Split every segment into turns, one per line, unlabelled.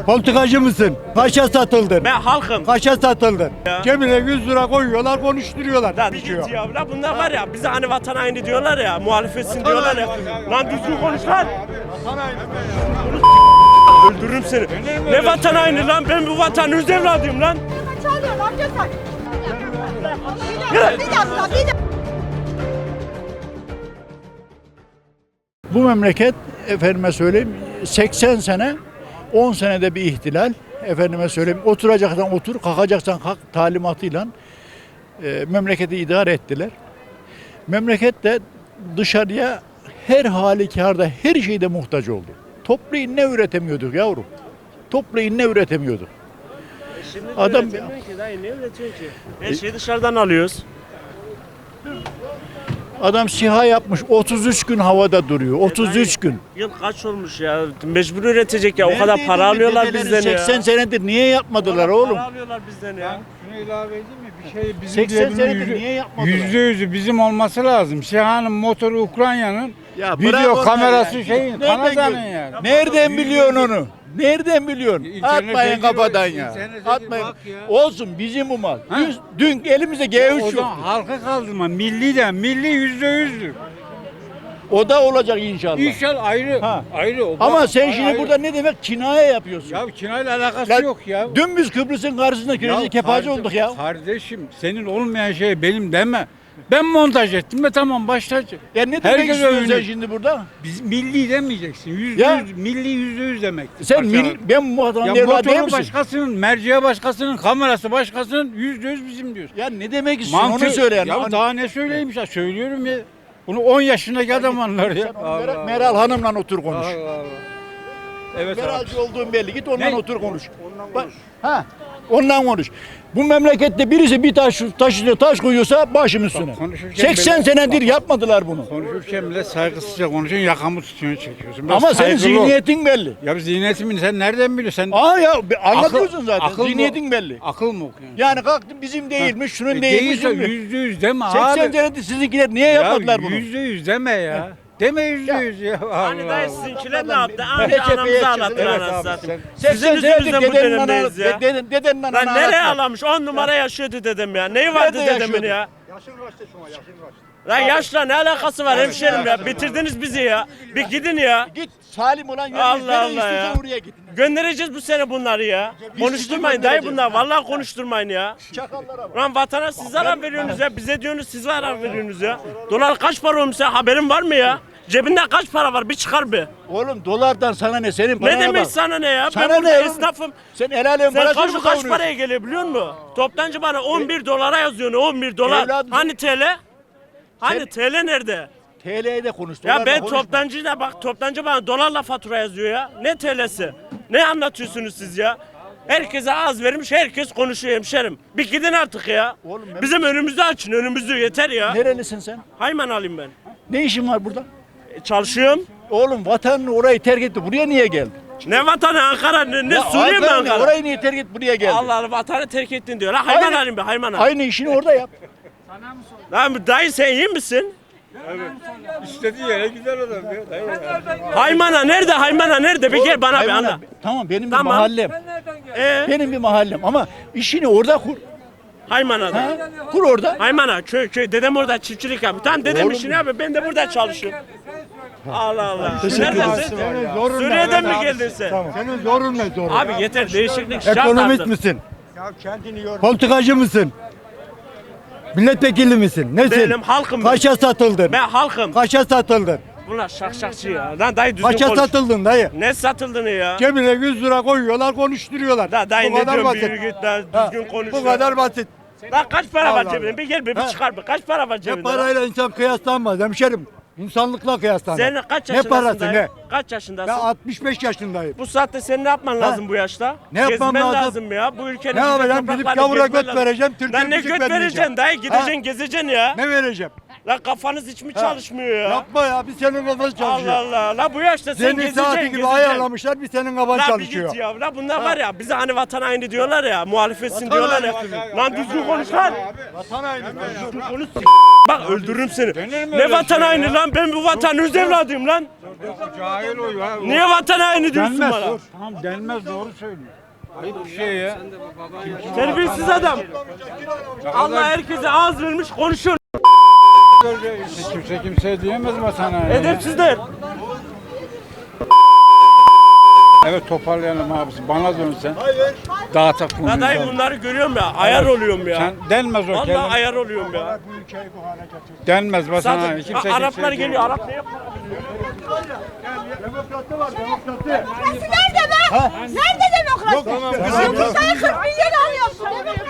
Politikacı mısın? Kaça satıldın?
Ben halkım.
Kaça satıldın?
Ya.
Cebine 100 lira koyuyorlar, konuşturuyorlar.
Lan
Bir
git
şey yok.
ya. Lan bunlar var ya bize hani vatan haini diyorlar ya, muhalefetsin diyorlar ya. Lan düzgün konuş lan. Öldürürüm seni. Ne vatan haini lan? Ben bu vatanın öz evladıyım lan.
Çalıyor, ne yapıyorsun? Bir dakika.
Bu memleket efendime söyleyeyim 80 sene 10 senede bir ihtilal, efendime söyleyeyim oturacaksan otur, kalkacaksan kalk talimatıyla memleketi idare ettiler. Memleket de dışarıya her halükarda her şeyde muhtaç oldu. Toplayın ne üretemiyorduk yavrum? Toplayın ne üretemiyorduk? Adam
Ki dayı ne üretiyorsun ki? Her şeyi dışarıdan alıyoruz.
adam SİHA yapmış 33 gün havada duruyor. 33 gün.
Yıl kaç olmuş ya? Mecbur üretecek ya. O kadar
Neredeydin
para
be
alıyorlar
dedeleri
bizden ya.
80 senedir niye yapmadılar
Para
oğlum?
alıyorlar bizden ya.
Şunu ilave edeyim mi? Bir şey bizim
80 senedir niye yapmadılar?
%100'ü bizim olması lazım. SİHA'nın motoru Ukrayna'nın,
Ya bırak
video
onları
kamerası
ya.
şeyin,
Nereden
Kanada'nın
gör-
yani.
Nereden biliyorsun onu? Nereden biliyorsun?
İnternete
Atmayın
gir,
kafadan ya.
internete
Atmayın.
bak ya.
Olsun bizim bu mal.
Ha?
Dün elimizde
O
G3 yok.
zaman halkı kaldırma. Milli %100'dür.
O da olacak inşallah.
İnşallah ayrı.
Ha.
Ayrı.
Ama sen şimdi
ayrı.
burada ne demek kinaye yapıyorsun?
Ya kinayla alakası
Lan
yok ya.
Dün biz Kıbrıs'ın karşısında krizi kefacı olduk ya.
Kardeşim senin olmayan şey benim deme. Ben montaj ettim ve tamam başlayacak.
Ya ne demek
Herkes
istiyorsun sen
övünüyor.
şimdi burada?
Biz milli demeyeceksin.
Ya.
%100 milli %100 demektir.
Sen
Parçalar.
ben bu adamın
Ya
evladı değil
motoru
misin?
başkasının, merceği başkasının, kamerası başkasının %100 bizim diyorsun.
Ya ne demek istiyorsun onu söyle yani.
Ya daha ne söyleyeyim ya söylüyorum ya. Bunu 10 yaşındaki adam anlar ya.
Meral Hanım'la otur konuş.
Allah Allah. Evet abi.
Meralcı olduğun belli. Git ondan
Ne?
otur konuş. Ha, ondan konuş. Bu memlekette birisi bir taş üstüne taş koyuyorsa başım üstüne.
konuşurken
80
bile-
senedir yapmadılar bunu.
Konuşurken bile saygısızca konuşuyorsun, yakamı tutuyorsun, çekiyorsun. Biraz
Ama senin
saygılı ol.
zihniyetin belli.
Ya zihniyetimi sen nereden biliyorsun? Sen
Aa ya anlatıyorsun
akıl-
zaten.
akıl mı-
Zihniyetin belli.
Akıl mı okuyorsun?
Yani kalktın bizim değilmiş, şunun değilmiş.
Değilse
şunun-
%100 deme
80
abi.
senedir sizinkiler niye yapmadılar bunu?
%100 deme ya. Deme %100 ya.
Hani
Allah
dayı
Allah.
sizinkiler ne yaptı?
Böyle
Anca anamızı
cepheye
ağlattılar
çıktı. Evet
anasını
abi,
satayım.
80
Sizin
senedir
yüzünüzden bu
dedenin
dönemdeyiz ya.
dedenin
Lan
ananı
nereye
ağlattı.
ağlamış? 10 numara yaşıyordu dedem ya. Neyi vardı
Nerede
dedemin
yaşıyordu?
ya? Lan yaşla ne alakası var hemşerim ya? Bitirdiniz bizi ya. Bir gidin ya.
Git salim olan yerine
Allah
nereye
Allah
istiyorsan
ya.
oraya git.
Göndereceğiz bu sene bunları ya. Konuşturmayın dayı bunlar. Vallahi konuşturmayın ya.
Çakallara bak.
Lan vatana siz zarar veriyorsunuz ya. Bize diyorsunuz siz zarar veriyorsunuz ya. Dolar kaç para olmuş ya? Haberin var mı ya? Cebinde kaç para var? Bir çıkar bir.
Oğlum dolardan sana ne? Senin parana
Ne demek
bak.
sana ne ya?
Sana
Ben burada
ne oğlum?
esnafım.
Sen el alem
Sen
parasını mı
kaç
kavuruyorsun?
paraya geliyor biliyor musun? Toptancı bana 11 dolara yazıyor. 11 dolar.
Evladım.
Hani TL? Hani
Sen-
TL nerede?
TL'ye de konuş.
Ya
dolarla
ben
konuşma.
toptancıyla bak toptancı bana dolarla fatura yazıyor ya. Ne TL'si? Ne anlatıyorsunuz siz ya? Herkese az vermiş, herkes konuşuyor hemşerim. Bir gidin artık ya.
Oğlum ben-
Bizim önümüzü açın, önümüzü yeter ya.
Nerelisin sen?
Hayman alayım ben.
Ne işin var burada?
Çalışıyorum.
Oğlum vatanını orayı terk etti. Buraya niye geldin?
Ne vatanı Ankara, ne
Ya
Suriye mi
Ankara ne?
Ankara?
Orayı niye terk et buraya geldin?
Allah Allah vatanı terk ettin diyor. La hayman
Aynı-
alayım be hayman alayım.
Aynı işini orada yap.
Lan dayı sen iyi misin?
İstediği yere gider adam ya.
Haymana nerede? Haymana nerede? Bir gel bana bir
Hayvan
anla.
abi, tamam benim bir
Tamam.
mahallem. Benim bir mahallem ama işini orada kur.
Haymana'da.
Ha? Kur orada.
Haymana köy dedem orada çiftçilik yapıyor. Tamam dedem
Oğlum.
işini yapıyor. Ben de burada çalışıyorum. Allah Allah.
Teşekkür
Neredesin?
Zorun
Suriye'den
ne?
mi geldin sen?
Tamam. Senin zorun ne zorun?
Abi yeter değişiklik şart
Ekonomist
artık.
misin? Politikacı mısın? Milletvekili misin? Nesin?
Benim halkım.
Kaça satıldın?
Ben halkım.
Kaça satıldın?
Bunlar şakşakçı ya. Lan dayı düzgün
Kaça
konuş.
satıldın dayı?
Ne satıldığını ya?
Cebine 100 lira koyuyorlar, konuşturuyorlar.
Da dayı
Bu
ne
kadar
diyorsun?
basit.
Bir git lan
Ha,
düzgün konuş.
Bu
ya.
kadar basit.
Lan kaç para var
Allah
cebinde?
Allah.
Bir gel bir
Ha.
çıkar bir. Kaç para var
Ne
cebinde? lan?
parayla insan kıyaslanmaz hemşerim. İnsanlıkla kıyaslanır.
Sen kaç
Ne
yaşındasın
parası
dayı?
ne?
Kaç
Ben
yaşındasın?
65 yaşındayım.
Bu saatte sen ne yapman lazım bu yaşta?
Ne yapmam
Gezmen
lazım?
ya. Bu ülkenin
Ne
güzel
yapacağım? Gidip
topraklarını
gavura
gezmen
göt
lazım.
vereceğim, Türkiye
Lan ne
müzik
göt
vermeyeceğim.
vereceksin dayı? Gideceksin
Ha?
gezeceksin ya.
Ne vereceğim?
La kafanız hiç mi çalışmıyor ya?
Yapma ya, bir senin kafan çalışıyor.
Allah Allah. La bu yaşta sen
Senin
gezeceksin,
saati gibi
gezeceksin.
ayarlamışlar, bir senin kafan
La bir
çalışıyor.
git ya. La bunlar var ya bize hani vatan haini diyorlar ya, muhalefetsin diyorlar ya. Lan düzgün konuş lan.
Vatan haini.
Düzgün konuş. Bak öldürürüm seni. Ne vatan haini lan? Ben bu vatanın öz evladıyım lan.
Cahil o ya.
Niye vatan haini diyorsun
Denmez.
bana?
Tamam denmez, doğru söylüyor. Ayıp bir şey ya.
Terbiyesiz adam. Allah herkese ağız vermiş konuşuyor.
Kimse kimseye diyemez vatana.
Edepsizler.
Evet, toparlayalım abisi. Bana dönsen. Dağıtak konuyu.
Ya dayı bunları görüyorum ya. Ayar oluyorum ya.
Sen denmez o
Vallahi
kelime.
ayar oluyorum ya.
Denmez vatana.
Zaten
Kimse
Araplar
kimseye
geliyor.
diyemez.
Arap ne yapıyor?
Demokrasi var, demokrasi.
Demokrasi nerede be? Nerede demokrasi? Yumurtayı 40 milyon alıyorsun.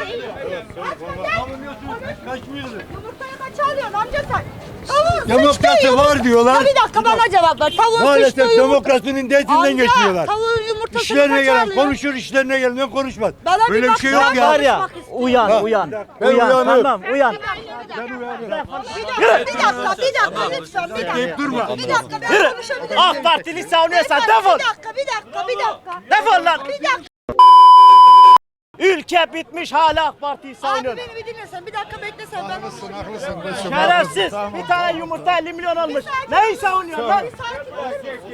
Yumurtayı kaça alıyorsun amca sen? Tavuğun
Demokrasi var diyorlar.
Bir dakika bana cevap ver. Tavuğun
Maalesef
sıçtığı yumurta.
demokrasinin detinden geçmiyorlar.
Tavuğun yumurtasını
İşlerine
kaça
gelen
alıyor?
konuşur, işlerine gelmeyen konuşmaz.
Bana bir
Böyle bir
bak,
şey yok
ben
ya.
var ya,
Uyan, uyan.
Ben
Uyan,
uyanıyorum.
tamam, uyan.
Bir dakika lütfen bir dakika.
Deyip durma.
Bir dakika ben konuşabilirim.
AK Partili savunuyorsan
Beyefendi,
defol.
bir dakika.
Defol lan.
Bir dakika.
Ülke bitmiş, hala AK Parti'yi
Abi
savunuyor.
beni bir dinlesen, bir dakika beklesen ben konuşayım.
Şerefsiz. Bir tane yumurta 50 milyon almış. Neyi savunuyorsun lan?
Bir sakin olur musun?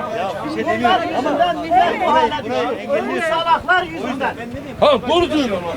Amca gel.
Bunlar yüzünden millet bu hale düşüyor. Bu salaklar yüzünden.